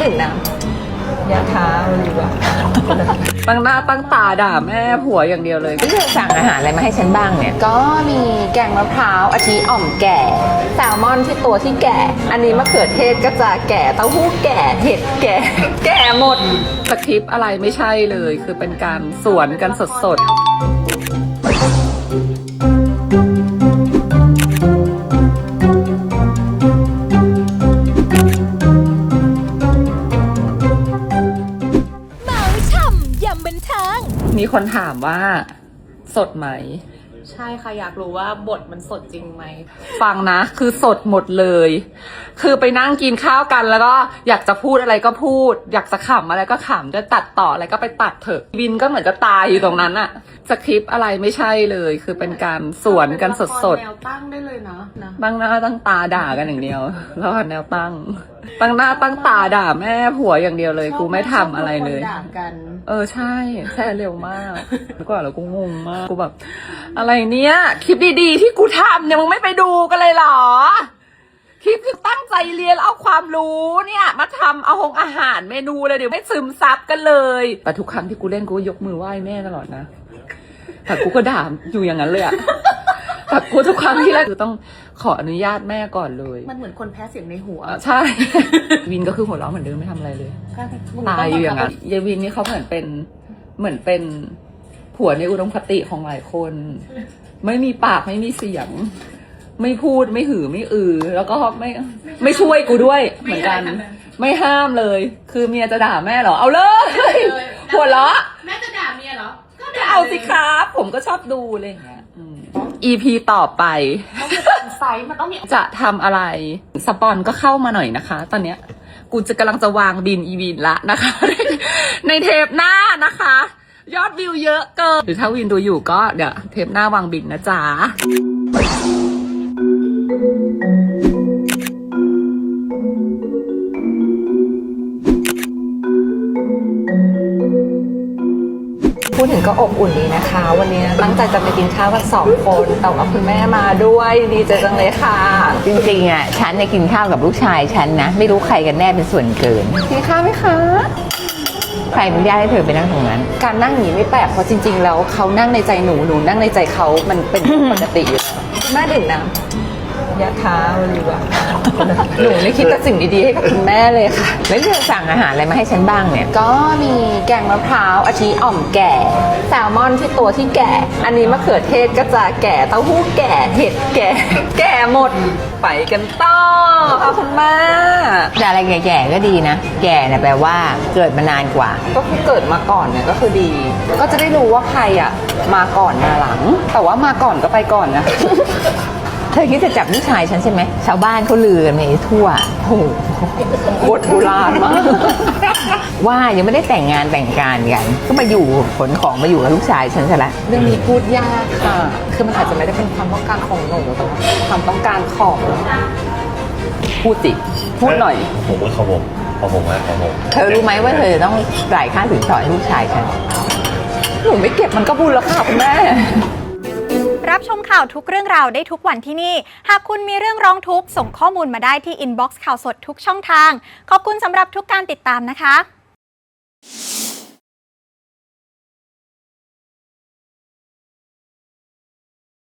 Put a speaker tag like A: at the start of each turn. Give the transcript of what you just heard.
A: ถึงนะยาท้าดีกว่าตั้งหน้าตั้งตาด่าแม่ผัวอย่างเดียวเลยก็จะสั่งอาหารอะไรมาให้ฉันบ้างเนี่ยก็มีแกงมะพร้าวอาทิอ่อมแก่แซลมอนที่ตัวที่แก่อันนี้มะเขือเทศก็จะแก่เต้าหู้แก่เห็ดแก่หมดสคริปต์อะไรไม่ใช่เลยคือเป็นการสวนกันสดๆมีคนถามว่าสดไหม
B: ใช่ค่ะอยากรู้ว่าบทมันสดจริงไหม
A: ฟังนะคือสดหมดเลยคือไปนั่งกินข้าวกันแล้วก็อยากจะพูดอะไรก็พูดอยากจะขำอะไรก็ขำจะตัดต่ออะไรก็ไปตัดเถอะบินก็เหมือนจะตายอยู่ตรงนั้นอะสคริปต์อะไรไม่ใช่เลยคือเป็นการสวนกันสด
B: ๆแนวตั้งได้เลยนะ
A: ตั้งหน้าตั้งตาด่ากันอย่างเดียวแล้วแนวตั้งหน้าตั้งตาด่าแม่ผัวอย่างเดียวเลยกูไม่ทำอะไรเลย
B: ด่ากัน
A: ใช่แช่เร็วมากแล้วก็แล้วกูงงมากกูแบบอะไรเนี้ยคลิปดีๆที่กูทำเนี่ยมึงไม่ไปดูกันเลยเหรอคลิปที่ตั้งใจเรียนเอาความรู้เนี่ยมาทำเอาอาหารเมนูเลยเดี๋ยวไม่ซึมซับกันเลยแต่ทุกครั้งที่กูเล่นกูยกมือไหว้แม่ตลอดนะแต่กูก็ด่าอยู่อย่างนั้นเลยอะแต่กูทุกครั้งที่เล่นกูต้องขออนุญาตแม่ก่อนเลย
B: มันเหมือนคนแพ้เสียงในหัว
A: ใช่วินก็คือหัวเราะเหมือนเดิมไม่ทำอะไรเลยตายอยู่อย่างนั้นยายวินนี่เขาเหมือนเป็นผัวในอุดมคติของหลายคนไม่มีปากไม่มีเสียงไม่พูดไม่หือไม่แล้วก็ไม่ช่วยกูด้วยเหมือนกันไม่ห้ามเลยคือเมียจะด่าแม่เหรอเอาเลยหัวเราะ
B: แม่จะด่าเมียเหรอ
A: ก็เอาสิครับผมก็ชอบดูอะไรอย่างเงี้ยEP ต่อไป
B: ไซส์มันต้องมี
A: จะทำอะไรสปอนก็เข้ามาหน่อยนะคะ ตอนเนี้ยกูจะกำลังจะวางบินวินละนะคะในเทปหน้านะคะ ยอดวิวเยอะเกินหรือถ้าวินดูอยู่ก็เดี๋ยวเทปหน้าวางบินนะจ๊ะพูดถึงก็อบอุ่นดีนะคะวันนี้ตั้งใจจะไปกินข้าวกัน2 คนแต่ว่าคุณแม่มาด้วยดีใจจังเลยค่ะ
C: จริงๆอ่ะฉันเนี่ยกินข้าวกับลูกชายฉันนะไม่รู้ใครกันแน่เป็นส่วนเกิน
A: กินข้าวไหมคะ
C: ใครอนุญาตให้เธอไปนั่งตรงนั้น
A: การนั่งอย่างนี้ไม่แปลกเพราะจริงๆแล้วเขานั่งในใจหนูนั่งในใจเขามันเป็นปกติอยู่แม่ดื่มน้ำยาท้าดีกว่าหนูไม่คิดแต่สิ่งดีๆให้กับคุณแม่เลยค่ะ
C: แล้วเธอสั่งอาหารอะไรมาให้ฉันบ้างเนี่ย
A: ก็มีแกงมะพร้าวอาทิอ่อมแก่แซลมอนที่ตัวที่แก่อันนี้มะเขือเทศก็จะแก่เต้าหู้แก่เห็ดแก่หมดไปกันต่อค่ะคุณแม่
C: แต่อะไรแก่ๆก็ดีนะแก่เนี่ยแปลว่าเกิดมานานกว่า
A: ก็คือเกิดมาก่อนเนี่ยก็คือดีก็จะได้รู้ว่าใครอ่ะมาก่อนมาหลังแต่ว่ามาก่อนก็ไปก่อนนะ
C: เธอคิดจะจับลูกชายฉันใช่ไหมชาวบ้านเขาลือกันไปทั่ว
A: โอ้โหบทโบราณมาก
C: ว่ายังไม่ได้แต่งงานแต่งการกันก็มาอยู่ขนของมาอยู่กับลูกชายฉันซะละ
A: เรื่องนี้พูดยากค่ะคือมันอาจจะไม่ได้เป็นความต้องการของหนูแต่ความต้องการของพูดสิพูดหน่อย
D: ผมพูดของผม
C: เธอรู้ไหมว่าเธอต้องจ่ายค่าสินสอดให้ลูกชายฉัน
A: หนูไม่เก็บมันก็บุญแล้วค่ะคุณแม่
E: รับชมข่าวทุกเรื่องราวได้ทุกวันที่นี่หากคุณมีเรื่องร้องทุกข์ส่งข้อมูลมาได้ที่อินบ็อกซ์ข่าวสดทุกช่องทางขอบคุณสำหรับทุกการติดตามนะคะ